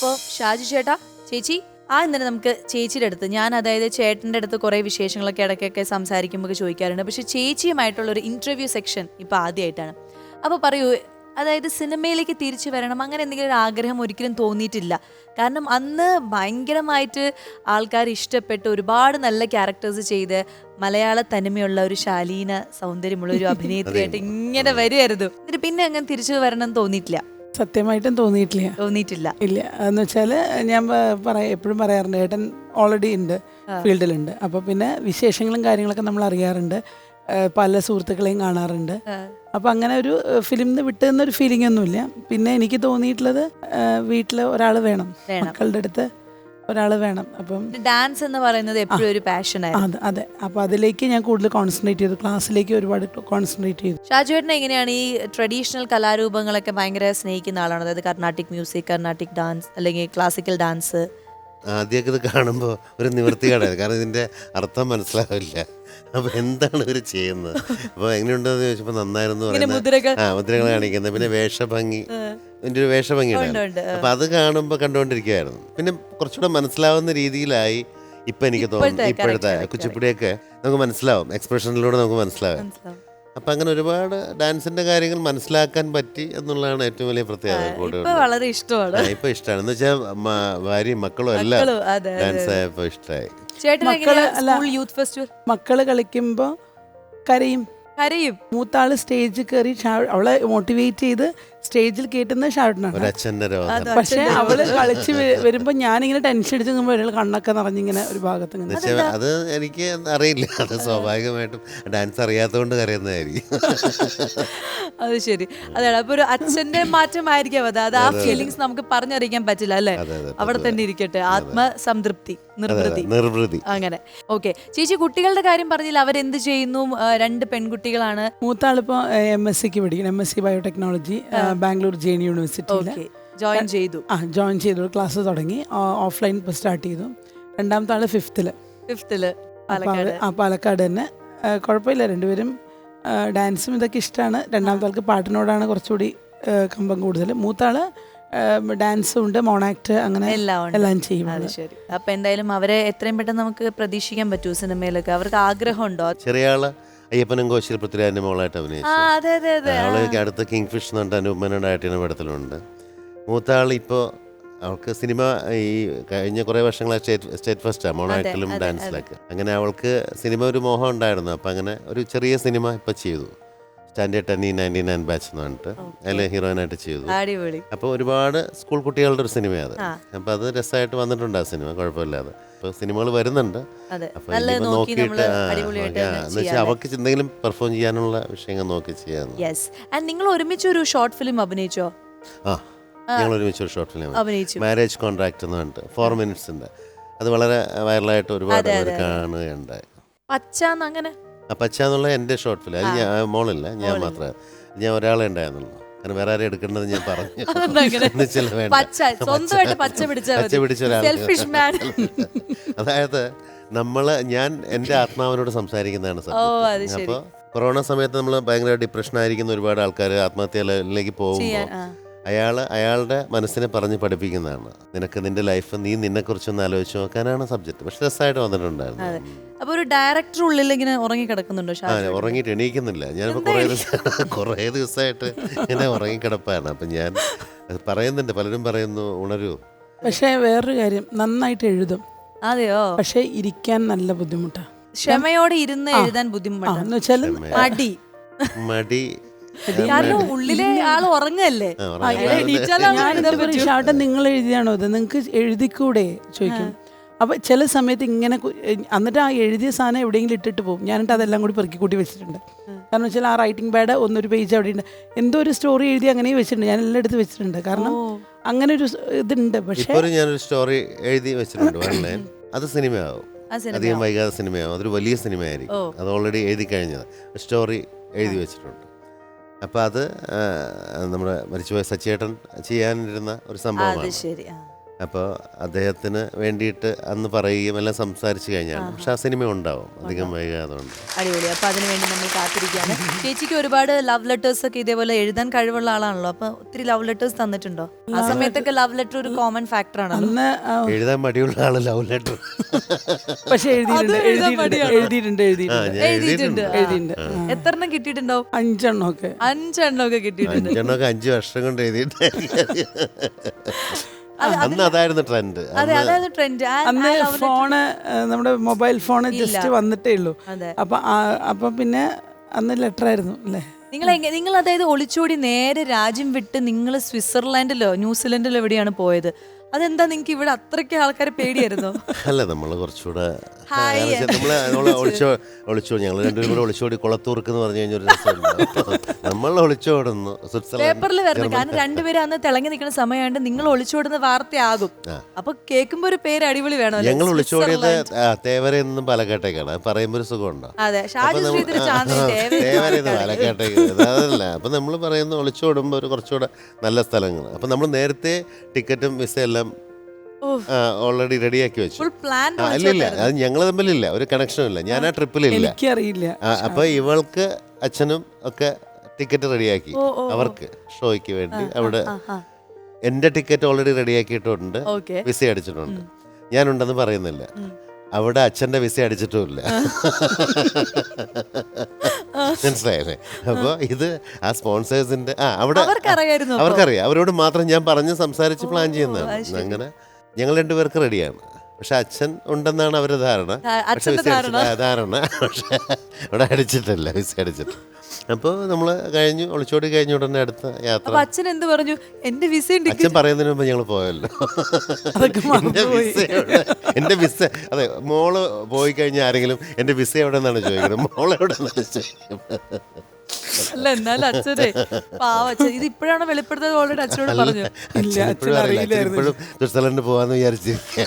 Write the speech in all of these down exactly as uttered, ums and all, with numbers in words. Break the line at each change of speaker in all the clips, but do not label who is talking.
അപ്പോൾ ഷാജു ചേട്ടാ, ചേച്ചി, ആ ഇന്നലെ നമുക്ക് ചേച്ചിയുടെ അടുത്ത്, ഞാൻ അതായത് ചേട്ടൻ്റെ അടുത്ത് കുറേ വിശേഷങ്ങളൊക്കെ ഇടയ്ക്കൊക്കെ സംസാരിക്കുമ്പോൾ ചോദിക്കാറുണ്ട്. പക്ഷെ ചേച്ചിയുമായിട്ടുള്ള ഒരു ഇൻ്റർവ്യൂ സെക്ഷൻ ഇപ്പോൾ ആദ്യമായിട്ടാണ്. അപ്പോൾ പറയൂ, അതായത് സിനിമയിലേക്ക് തിരിച്ചു വരണം അങ്ങനെ എന്തെങ്കിലും ഒരു ആഗ്രഹം ഒരിക്കലും തോന്നിയിട്ടില്ല? കാരണം അന്ന് ഭയങ്കരമായിട്ട് ആൾക്കാർ ഇഷ്ടപ്പെട്ട് ഒരുപാട് നല്ല ക്യാരക്ടേഴ്സ് ചെയ്ത് മലയാള തനിമയുള്ള ഒരു ശാലീന സൗന്ദര്യമുള്ള ഒരു അഭിനേത്രിയായിട്ട് ഇങ്ങനെ വരുമായിരുന്നു. എന്നിട്ട് പിന്നെ അങ്ങനെ തിരിച്ചു വരണം എന്ന് തോന്നിയിട്ടില്ല?
സത്യമായിട്ടും തോന്നിയിട്ടില്ല
തോന്നിയിട്ടില്ല
ഇല്ല. എന്ന് വെച്ചാൽ ഞാൻ പറയാ എപ്പോഴും പറയാറുണ്ട്, ഏട്ടൻ ഓൾറെഡി ഉണ്ട്, ഫീൽഡിലുണ്ട്. അപ്പോൾ പിന്നെ വിശേഷങ്ങളും കാര്യങ്ങളൊക്കെ നമ്മൾ അറിയാറുണ്ട്, പല സുഹൃത്തുക്കളെയും കാണാറുണ്ട്. അപ്പം അങ്ങനെ ഒരു ഫിലിമിന്ന് വിട്ടുന്നൊരു ഫീലിംഗ് ഒന്നുമില്ല. പിന്നെ എനിക്ക് തോന്നിയിട്ടുള്ളത് വീട്ടിൽ ഒരാൾ വേണം, മക്കളുടെ അടുത്ത് ഒരാൾ വേണം. അപ്പം
ഡാൻസ് എന്ന് പറയുന്നത് എപ്പോഴും ഒരു പാഷൻ ആയിരുന്നു.
അതെ, അപ്പോൾ അതിലേക്ക് ഞാൻ കൂടുതൽ കോൺസെൻട്രേറ്റ് ചെയ്തു, ക്ലാസ്സിലേക്ക് ഒരുപാട് കോൺസെൻട്രേറ്റ് ചെയ്തു.
ഷാജുവേട്ടനെ എങ്ങനെയാണ് ഈ ട്രഡീഷണൽ കലാരൂപങ്ങളൊക്കെ ഭയങ്കര സ്നേഹിക്കുന്ന ആളാണ്? അതായത് കർണാട്ടിക് മ്യൂസിക്, കർണാട്ടിക് ഡാൻസ് അല്ലെങ്കിൽ ക്ലാസിക്കൽ ഡാൻസ്?
ആദ്യമൊക്കെ ഇത് കാണുമ്പോൾ ഒരു നിവൃത്തികേടായിരുന്നു, കാരണം ഇതിൻ്റെ അർത്ഥം മനസ്സിലാവില്ല. അപ്പോൾ എന്താണ് ഇവർ ചെയ്യുന്നത്, അപ്പോൾ എങ്ങനെയുണ്ടെന്ന് ചോദിച്ചപ്പോൾ നന്നായിരുന്നു പറയുന്നത്. ആ, മുദ്രകൾ കാണിക്കുന്നത്, പിന്നെ വേഷഭംഗി, ഇതിൻ്റെ ഒരു വേഷഭംഗി ഉണ്ടായിരുന്നു. അപ്പോൾ അത് കാണുമ്പോൾ കണ്ടുകൊണ്ടിരിക്കുകയായിരുന്നു. പിന്നെ കുറച്ചുകൂടെ മനസ്സിലാവുന്ന രീതിയിലായി ഇപ്പം എനിക്ക് തോന്നുന്നു. ഇപ്പോഴത്തെ കുച്ചിപ്പുടിയൊക്കെ നമുക്ക് മനസ്സിലാവും, എക്സ്പ്രഷനിലൂടെ നമുക്ക് മനസ്സിലാവും. അപ്പം അങ്ങനെ ഒരുപാട് ഡാൻസിന്റെ കാര്യങ്ങൾ മനസ്സിലാക്കാൻ പറ്റി എന്നുള്ളതാണ് ഏറ്റവും വലിയ പ്രത്യേകത.
വളരെ ഇഷ്ടമാണ്,
ഇപ്പൊ ഇഷ്ടമാണ്. എന്ന് വെച്ചാൽ ഭാര്യയും മക്കളും എല്ലാം ഡാൻസ് ആയപ്പോ ഇഷ്ടമായി.
മക്കള് കളിക്കുമ്പോ കരയും
കരയും
മൂത്താള് സ്റ്റേജിൽ കയറി അവളെ മോട്ടിവേറ്റ് ചെയ്ത് സ്റ്റേജിൽ കേട്ടുന്ന ഷാട്ടിനാണ്. പക്ഷെ അവള് കളിച്ച് വരുമ്പോ ഞാനിങ്ങനെ ടെൻഷൻ അടിച്ച് നിൽക്കുമ്പോൾ കണ്ണൊക്കെ നിറഞ്ഞിങ്ങനെ ഒരു ഭാഗത്ത്.
അത് എനിക്ക് അറിയില്ല, അത് സ്വാഭാവികമായിട്ടും ഡാൻസ് അറിയാത്തതുകൊണ്ട് കരയുന്നതായിരിക്കും.
അത് ശരി, അതാണ്. അപ്പൊ ഒരു അച്ഛന്റെ മാറ്റമായിരിക്കാം അത്. അത് ആ ഫീലിങ്സ് നമുക്ക് പറഞ്ഞറിയിക്കാൻ പറ്റില്ല അല്ലേ? അവിടെ തന്നെ ഇരിക്കട്ടെ, ആത്മസംതൃപ്തി, നിർവൃതി നിർവൃതി അങ്ങനെ. ഓക്കെ ചേച്ചി, കുട്ടികളുടെ കാര്യം പറഞ്ഞില്ല, അവരെന്ത് ചെയ്യുന്നു? രണ്ട് പെൺകുട്ടികളാണ്.
മൂത്താളിപ്പോ എം എസ് സിക്ക് പഠിക്കണം, M S C biotechnology, Bangalore J N യൂണിവേഴ്സിറ്റിയിൽ
ജോയിൻ ചെയ്തു.
ആ ജോയിൻ ചെയ്തു, ക്ലാസ് തുടങ്ങി, ഓഫ്ലൈൻ ഇപ്പോൾ സ്റ്റാർട്ട് ചെയ്തു. രണ്ടാമത്തെ ആള് ഫിഫ്ത്തില്
ഫിഫ്ത്തില്
ആ പാലക്കാട് തന്നെ. കുഴപ്പമില്ല, രണ്ടുപേരും ഡാൻസും ഇതൊക്കെ ഇഷ്ടമാണ്. രണ്ടാമത്തെ ആൾക്ക് പാട്ടിനോടാണ് കുറച്ചുകൂടി കമ്പം കൂടുതൽ. മൂത്താള് ഡാൻസും ഉണ്ട്, മോണാക്ട്, അങ്ങനെ എല്ലാം ചെയ്യും.
ശരി, അപ്പൊ എന്തായാലും അവരെ എത്രയും പെട്ടെന്ന് നമുക്ക് പ്രതീക്ഷിക്കാൻ പറ്റൂ സിനിമയിലൊക്കെ? അവർക്ക് ആഗ്രഹമുണ്ടോ?
ചെറിയ ആള് അയ്യപ്പനും കോശിയിൽ പൃഥ്വിരാജിന്റെ മോളായിട്ട് അഭിനയിച്ചു. അവള് അടുത്ത കിങ് ഫിഷ് എന്ന് പറഞ്ഞിട്ട് അനൂപ് പടത്തിലുണ്ട്. മൂത്ത ആൾ ഇപ്പോൾ അവൾക്ക് സിനിമ ഈ കഴിഞ്ഞ കുറേ വർഷങ്ങളായി സ്റ്റേറ്റ് സ്റ്റേറ്റ് ഫസ്റ്റാണ് മോണാക്ടിലും ഡാൻസിലൊക്കെ. അങ്ങനെ അവൾക്ക് സിനിമ ഒരു മോഹം ഉണ്ടായിരുന്നു. അപ്പം അങ്ങനെ ഒരു ചെറിയ സിനിമ ഇപ്പം ചെയ്തു, standard ten ninety nine batch എന്ന് പറഞ്ഞിട്ട് അതിൽ ഹീറോയിനായിട്ട് ചെയ്തു. അപ്പോൾ ഒരുപാട് സ്കൂൾ കുട്ടികളുടെ ഒരു സിനിമയാണ് അത്. അപ്പോൾ അത് രസമായിട്ട് വന്നിട്ടുണ്ട് ആ സിനിമ, കുഴപ്പമില്ലാതെ. അപ്പോൾ സിനിമകൾ വരുന്നുണ്ട്. അപ്പോൾ ഇനിയിപ്പോൾ നോക്കിയിട്ട് എന്ന് വെച്ചാൽ അവർക്ക് എന്തെങ്കിലും പെർഫോം ചെയ്യാനുള്ള വിഷയങ്ങൾ നോക്കി ചെയ്യാൻ.
നിങ്ങൾ ഒരുമിച്ച് ഒരു ഷോർട്ട് ഫിലിം അഭിനയിച്ചോ?
ആ, ഞങ്ങൾ ഒരുമിച്ച് ഒരു ഷോർട്ട് ഫിലിം, മാരേജ് കോൺട്രാക്ട് എന്ന് പറഞ്ഞിട്ട് ഫോർ മിനിറ്റ്സിൻ്റെ, അത് വളരെ വൈറലായിട്ട് ഒരുപാട് പേർ കാണുകയുണ്ടായി.
പച്ച അങ്ങനെ
പച്ച എന്നുള്ള എൻ്റെ ഷോർട്ട് ഫിലിം, അത് ഞാൻ മോളില്ല, ഞാൻ മാത്രമേ, ഞാൻ ഒരാളെ ഉണ്ടായിരുന്നുള്ളൂ. കാരണം വേറെ ആരും എടുക്കേണ്ടത് ഞാൻ പറഞ്ഞു. അതായത് നമ്മള് ഞാൻ എൻ്റെ ആത്മാവിനോട് സംസാരിക്കുന്നതാണ് സത്യം. അപ്പോൾ കൊറോണ സമയത്ത് നമ്മൾ ഭയങ്കര ഡിപ്രഷൻ ആയിരിക്കുന്ന ഒരുപാട് ആൾക്കാർ ആത്മഹത്യയിലേക്ക് പോകുമ്പോൾ അയാൾ അയാളുടെ മനസ്സിനെ പറഞ്ഞ് പഠിപ്പിക്കുന്നതാണ്. നിനക്ക് നിന്റെ ലൈഫ്, നീ നിന്നെ കുറിച്ചൊന്ന് ആലോചിച്ച് നോക്കാനാണ് സബ്ജക്ട്. പക്ഷെ രസമായിട്ട് വന്നിട്ടുണ്ടായിരുന്നു.
അപ്പോൾ ഒരു ഡയറക്ടർ ഉള്ളിൽ ഇങ്ങനെ ഉറങ്ങി കിടക്കുന്നുണ്ടോ?
ആ, ഉറങ്ങിയിട്ട് എണീക്കുന്നില്ല. ഞാനിപ്പോൾ കുറേ ദിവസം കുറേ ദിവസമായിട്ട് ഇങ്ങനെ ഉറങ്ങിക്കിടപ്പാണ്. അപ്പം ഞാൻ പറയുന്നുണ്ട്, പലരും പറയുന്നു ഉണരൂ.
പക്ഷേ വേറൊരു കാര്യം, നന്നായിട്ട് എഴുതും.
അതെയോ?
പക്ഷെ ഇരിക്കാൻ നല്ല ബുദ്ധിമുട്ടാണ്.
ക്ഷമയോടെ ഇരുന്ന് എഴുതാൻ ബുദ്ധിമുട്ടാന്ന് വെച്ചാൽ
മടി മടി
കാരണം ഉള്ളിലെ ആൾ ഉറങ്ങല്ലേ.
ഷാട്ടൻ നിങ്ങൾ എഴുതിയാണോ ഇത്, നിങ്ങൾക്ക് എഴുതിക്കൂടെ ചോദിക്കും. അപ്പോൾ ചില സമയത്ത് ഇങ്ങനെ എന്നിട്ട് ആ എഴുതിയ സാധനം എവിടെയെങ്കിലും ഇട്ടിട്ട് പോകും. ഞാനിട്ട് അതെല്ലാം കൂടി പെറുക്കി കൂട്ടി വെച്ചിട്ടുണ്ട്. കാരണം വെച്ചാൽ ആ റൈറ്റിംഗ് പാഡ് ഒന്നൊരു പേജ് അവിടെ ഉണ്ട്, എന്തോ ഒരു സ്റ്റോറി എഴുതി അങ്ങനെ വെച്ചിട്ടുണ്ട്. ഞാൻ എല്ലാം എടുത്ത് വെച്ചിട്ടുണ്ട്, കാരണം അങ്ങനെ ഒരു ഇതുണ്ട്. പക്ഷേ
ഞാനൊരു സ്റ്റോറി എഴുതി വെച്ചിട്ടുണ്ട്, അത് സിനിമയാവും, അധികം വൈകാതെ സിനിമയാവും. അതൊരു വലിയ സിനിമയായിരിക്കും. അത് ഓൾറെഡി എഴുതി കഴിഞ്ഞത്, സ്റ്റോറി എഴുതി വെച്ചിട്ടുണ്ട്. അപ്പം അത് നമ്മുടെ മരിച്ചുപോയ സച്ചേട്ടൻ ചെയ്യാനിരുന്ന ഒരു സംഭവമാണ്. അപ്പോൾ അദ്ദേഹത്തിന് വേണ്ടിയിട്ട് അന്ന് പറയുകയും എല്ലാം സംസാരിച്ച് കഴിഞ്ഞാണ്. പക്ഷെ ആ സിനിമ ഉണ്ടാവും അധികം വൈകാതെ ഉണ്ട്.
അടിപൊളി. അപ്പൊ അതിനുവേണ്ടി നമ്മൾ കാത്തിരിക്കുകയാണ്. ചേച്ചിക്ക് ഒരുപാട് ലവ് ലെറ്റേഴ്സ് ഒക്കെ ഇതേപോലെ എഴുതാൻ കഴിവുള്ള ആളാണല്ലോ, അപ്പൊ ഒത്തിരി ലവ് ലെറ്റേഴ്സ് തന്നിട്ടുണ്ടോ? ആ സമയത്തൊക്കെ ലവ് ലെറ്റർ ഒരു കോമൺ ഫാക്ടർ ആണ്.
അന്ന് ആ,
എഴുതാൻ മടിയുള്ള ആള് ലവ് ലെറ്റർ
പക്ഷെ എഴുതിയിട്ടുണ്ട് എഴുതിയിട്ടുണ്ട് എഴുതിയിട്ടുണ്ട് എഴുതിയിട്ടുണ്ട്
എഴുതിയിട്ടുണ്ട്.
എഴുതിയിട്ടുണ്ട്.
എത്രണ്ണം കിട്ടിയിട്ടുണ്ടാവും?
അഞ്ചെണ്ണം ഒക്കെ
അഞ്ചെണ്ണം ഒക്കെ കിട്ടിയിട്ടുണ്ട്.
അഞ്ചെണ്ണമൊക്കെ അഞ്ച് വർഷം കൊണ്ട് എഴുതിയിട്ട് അന്ന് അതായിരുന്നു ട്രെൻഡ്.
അതെ, അതായത് ട്രെൻഡ്.
അന്ന് ഫോണ് നമ്മുടെ മൊബൈൽ ഫോണ് ജസ്റ്റ് വന്നിട്ടേ ഉള്ളൂ.
അതെ.
അപ്പൊ ആ- അപ്പൊ പിന്നെ അന്ന് ലെറ്റർ ആയിരുന്നു അല്ലേ.
നിങ്ങൾ എങ്ങനെ നിങ്ങൾ അതായത് ഒളിച്ചോടി നേരെ രാജ്യം വിട്ട് നിങ്ങൾ സ്വിറ്റ്സർലാൻഡിലോ ന്യൂസിലൻഡിലോ എവിടെയാണ് പോയത്? അതെന്താ നിങ്ങൾക്ക് ഇവിടെ അത്രയ്ക്ക് ആൾക്കാരെ പേടിയായിരുന്നോ?
അല്ല, നമ്മള് കുറച്ചുകൂടെ
ഹായ്.
നമ്മള് നമ്മള് ഒളിച്ചോ ഒളിച്ചോ ഞങ്ങൾ രണ്ടുപേരും കൂടെ ഒളിച്ചോടി കുളത്തൂർക്ക് എന്ന് പറഞ്ഞു കഴിഞ്ഞ ഒരു രസമുണ്ട്. നമ്മൾ ഒളിച്ചോടുന്നു
പേപ്പറിൽ വരണം, കാരണം രണ്ടുപേരും അന്ന് തിളങ്ങി നിൽക്കുന്ന സമയമായിട്ട് നിങ്ങൾ ഒളിച്ചോടുന്ന വാർത്തയാകും. അപ്പൊ കേൾക്കുമ്പോ ഒരു പേര് അടിപൊളി വേണം.
ഞങ്ങൾ ഒളിച്ചോടിയത് തേവരയിൽ നിന്നും പാലക്കാട്ടേക്കാണ്. പറയുമ്പോ ഒരു സുഖമുണ്ടോ?
അതെ, ഷാജി ശ്രീധർ ചാന്ദിനി
തേവരയിൽ നിന്ന് പാലക്കാട്ടേക്ക്. അതല്ല, അപ്പൊ നമ്മൾ പറയുന്ന ഒളിച്ചോടുമ്പോ ഒരു കുറച്ചുകൂടെ നല്ല സ്ഥലങ്ങൾ. അപ്പൊ നമ്മൾ നേരത്തെ ടിക്കറ്റും വിസ എല്ലാം ഓൾറെഡി റെഡിയാക്കി വെച്ചു.
Full plan.
ആ, ഇല്ലില്ല, അത് ഞങ്ങൾ തമ്മിലില്ല, ഒരു കണക്ഷനും ഇല്ല. ഞാൻ ആ ട്രിപ്പിലില്ല.
എനിക്കറിയില്ല.
ആ, അപ്പൊ ഇവൾക്ക് അച്ഛനും ഒക്കെ ടിക്കറ്റ് റെഡിയാക്കി അവർക്ക് ഷോയ്ക്ക് വേണ്ടി. അവിടെ എന്റെ ടിക്കറ്റ് ഓൾറെഡി റെഡിയാക്കിയിട്ടുണ്ട്,
ഓക്കെ.
വിസ അടിച്ചിട്ടുണ്ട്. ഞാനുണ്ടെന്ന് പറയുന്നില്ല. അവിടെ അച്ഛന്റെ വിസ അടിച്ചിട്ടുമില്ല. മനസ്സിലായല്ലേ? അപ്പൊ ഇത് ആ സ്പോൺസേഴ്സിന്റെ ആ അവിടെ
അവർക്കറിയായിരുന്നു.
അവർക്കറിയാം. അവരോട് മാത്രം ഞാൻ പറഞ്ഞ് സംസാരിച്ച് പ്ലാൻ ചെയ്യുന്നതാണ്. അങ്ങനെ ഞങ്ങൾ രണ്ടുപേർക്ക് റെഡിയാണ്. പക്ഷെ അച്ഛൻ ഉണ്ടെന്നാണ് അവരുടെ ധാരണ. പക്ഷെ വിസ അടിച്ചിട്ട് ധാരണ പക്ഷെ അവിടെ അടിച്ചിട്ടില്ല, വിസ അടിച്ചിട്ട്. അപ്പോൾ നമ്മൾ കഴിഞ്ഞു, ഒളിച്ചോടി കഴിഞ്ഞ ഉടനെ അടുത്ത യാത്ര.
അച്ഛൻ എന്ത് പറഞ്ഞു? എന്റെ വിസ
അച്ഛൻ പറയുന്നതിന് മുമ്പ് ഞങ്ങൾ പോയല്ലോ. എന്റെ വിസ എവിടെ? എന്റെ വിസ അതെ, മോള് പോയി കഴിഞ്ഞാൽ ആരെങ്കിലും എന്റെ വിസ എവിടെ നിന്നാണ് ചോദിക്കുന്നത്, മോള് എവിടെ നിന്നാണ് ചോദിക്കുന്നത്.
അല്ല, എന്നാലും അച്ഛനെ പാവ അച്ഛൻ ഇത് ഇപ്പോഴാണ് വെളിപ്പെടുത്തത്. ഓൾറെഡി അച്ഛനോട് പറഞ്ഞു.
ഇപ്പോഴും അറിയില്ല, ഇപ്പോഴും സ്വിറ്റ്സർലൻഡ് പോവാന്ന് വിചാരിച്ചിരിക്കുക.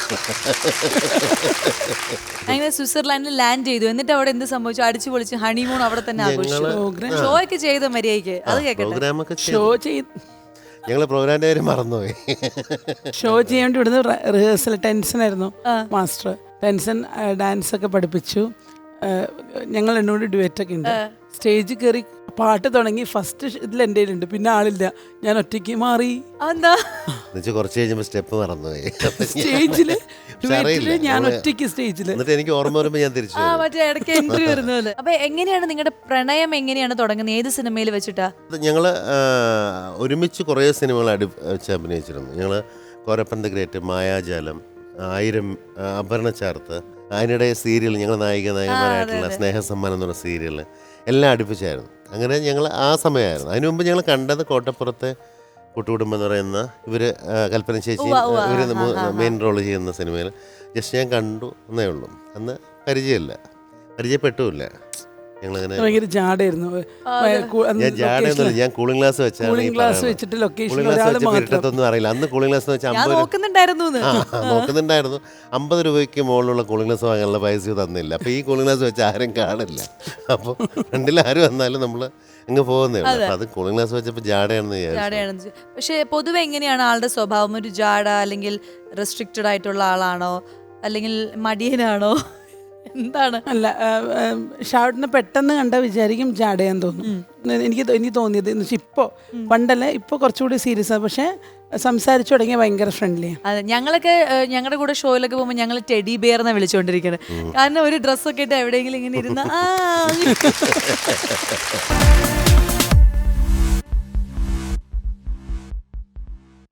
അങ്ങനെ സ്വിറ്റ്സർലാൻഡിൽ ലാൻഡ് ചെയ്തു. എന്നിട്ട് അവിടെ എന്ത് സംഭവിച്ചു? അടിച്ചു പൊളിച്ച് ഹണിമൂൺ അവിടെ തന്നെ ആഘോഷിച്ചു. ഷോ ഒക്കെ ചെയ്ത മര്യാദയ്ക്ക്. അത് കേൾക്കട്ടെ.
പ്രോഗ്രാമൊക്കെ
ഷോ ചെയ്ത്
ഞങ്ങള് പ്രോഗ്രാമിന്റെ കാര്യം മറന്നുപോയി.
ഷോ ചെയ്യാൻ ഇവിടുന്ന് റിഹേഴ്സൽ ടെൻഷൻ ആയിരുന്നു മാസ്റ്റർ. ടെൻഷൻ ഡാൻസ് ഒക്കെ പഠിപ്പിച്ചു. ഞങ്ങൾ എന്നോട് ഡുവറ്റ് ഒക്കെ ഉണ്ട്. സ്റ്റേജിൽ കയറി പാട്ട് തുടങ്ങി. ഫസ്റ്റ് ഇതിൽ എൻ്റെ ഉണ്ട്, പിന്നെ ആളില്ല. ഞാൻ ഒറ്റയ്ക്ക് മാറി.
എന്താ
കുറച്ച് കഴിഞ്ഞപ്പോ സ്റ്റെപ്പ് മറന്നുപോയി
സ്റ്റേജില് ഞാൻ ഒറ്റയ്ക്ക് സ്റ്റേജില്.
എന്നിട്ട് എനിക്ക് ഓർമ്മ വരുമ്പോ ഞാൻ തിരിച്ചു
ആ മറ്റേ ഇടയ്ക്ക് എൻട്രി വരുന്നത്. അപ്പൊ എങ്ങനെയാണ് നിങ്ങളുടെ പ്രണയം എങ്ങനെയാണ് തുടങ്ങുന്നത്? ഏത് സിനിമയിൽ വെച്ചിട്ടാ?
ഞങ്ങള് ഒരുമിച്ച് കുറേ സിനിമകൾ അടി വെച്ച് അഭിനയിച്ചിരുന്നു. ഞങ്ങള് കോരപ്പൻ ദ ഗ്രേറ്റ്, മായാജാലം, ആയിരം, അപർണ ചാർത്ത്, അതിനിടെ സീരിയൽ ഞങ്ങൾ നായിക നായകന്മാരായിട്ടുള്ള സ്നേഹസമ്മാനം എന്ന് പറഞ്ഞ സീരിയൽ എല്ലാം അടുപ്പിച്ചായിരുന്നു. അങ്ങനെ ഞങ്ങൾ ആ സമയമായിരുന്നു. അതിനു മുമ്പ് ഞങ്ങൾ കണ്ടത് കോട്ടപ്പുറത്തെ കൂട്ടുകുടുംബം എന്ന് പറയുന്ന ഇവർ കൽപ്പന ചേച്ചി ഇവർ മെയിൻ റോൾ ചെയ്യുന്ന സിനിമയിൽ ജസ്റ്റ് ഞാൻ കണ്ടു എന്നേ ഉള്ളൂ. അന്ന് പരിചയമില്ല, പരിചയപ്പെട്ടുമില്ല. ഞങ്ങളങ്ങനെ
ഭയങ്കര ജാടായിരുന്നു.
ഞാൻ ജാടയൊന്നുമില്ല, ഞാൻ കൂളിംഗ് ഗ്ലാസ് വെച്ചാണ്.
കൂളിംഗ് ഗ്ലാസ് വെച്ചിട്ട്
കൂളിംഗ് ഗ്ലാസ് വെച്ചപ്പോൾ ഇരുട്ടത്തൊന്നും അറിയില്ല. അന്ന് കൂളിംഗ് ഗ്ലാസ് വെച്ചാൽ അമ്പത്
നോക്കുന്നുണ്ടായിരുന്നു
നോക്കുന്നുണ്ടായിരുന്നു അമ്പത് രൂപയ്ക്ക് മുകളിലുള്ള കൂളിംഗ് ഗ്ലാസ് വാങ്ങാനുള്ള പൈസ തന്നില്ല. അപ്പോൾ ഈ കൂളിംഗ് ഗ്ലാസ് വെച്ച് ആരും കാണില്ല. അപ്പോൾ ഫ്രണ്ടിൽ ആരും വന്നാലും നമ്മൾ അങ്ങ് പോകുന്നേ ഉള്ളൂ. അപ്പോൾ അത് കൂളിംഗ് ഗ്ലാസ് വെച്ചപ്പോൾ ജാടയാണെന്ന് വിചാരിച്ചു.
പക്ഷേ പൊതുവെ എങ്ങനെയാണ് ആളുടെ സ്വഭാവം? ഒരു ജാട അല്ലെങ്കിൽ റെസ്ട്രിക്റ്റഡ് ആയിട്ടുള്ള ആളാണോ, അല്ലെങ്കിൽ മടിയനാണോ, എന്താണ്?
അല്ല, ഷാർട്ടിനെ പെട്ടെന്ന് കണ്ട വിചാരിക്കും ജാടയാൻ തോന്നും. എനിക്ക് എനിക്ക് തോന്നിയത് എന്ന് വെച്ചാൽ ഇപ്പോൾ പണ്ടല്ല, ഇപ്പോൾ കുറച്ചുകൂടി സീരിയസ് ആണ്. പക്ഷേ സംസാരിച്ചു തുടങ്ങിയ ഭയങ്കര ഫ്രണ്ട്ലിയാണ്.
അതെ, ഞങ്ങളൊക്കെ ഞങ്ങളുടെ കൂടെ ഷോയിലൊക്കെ പോകുമ്പോൾ ഞങ്ങൾ ടെഡി ബിയർ എന്നാണ് വിളിച്ചുകൊണ്ടിരിക്കുന്നത്. കാരണം ഒരു ഡ്രസ്സൊക്കെ ഇട്ട് എവിടെയെങ്കിലും ഇങ്ങനെ ഇരുന്ന ആ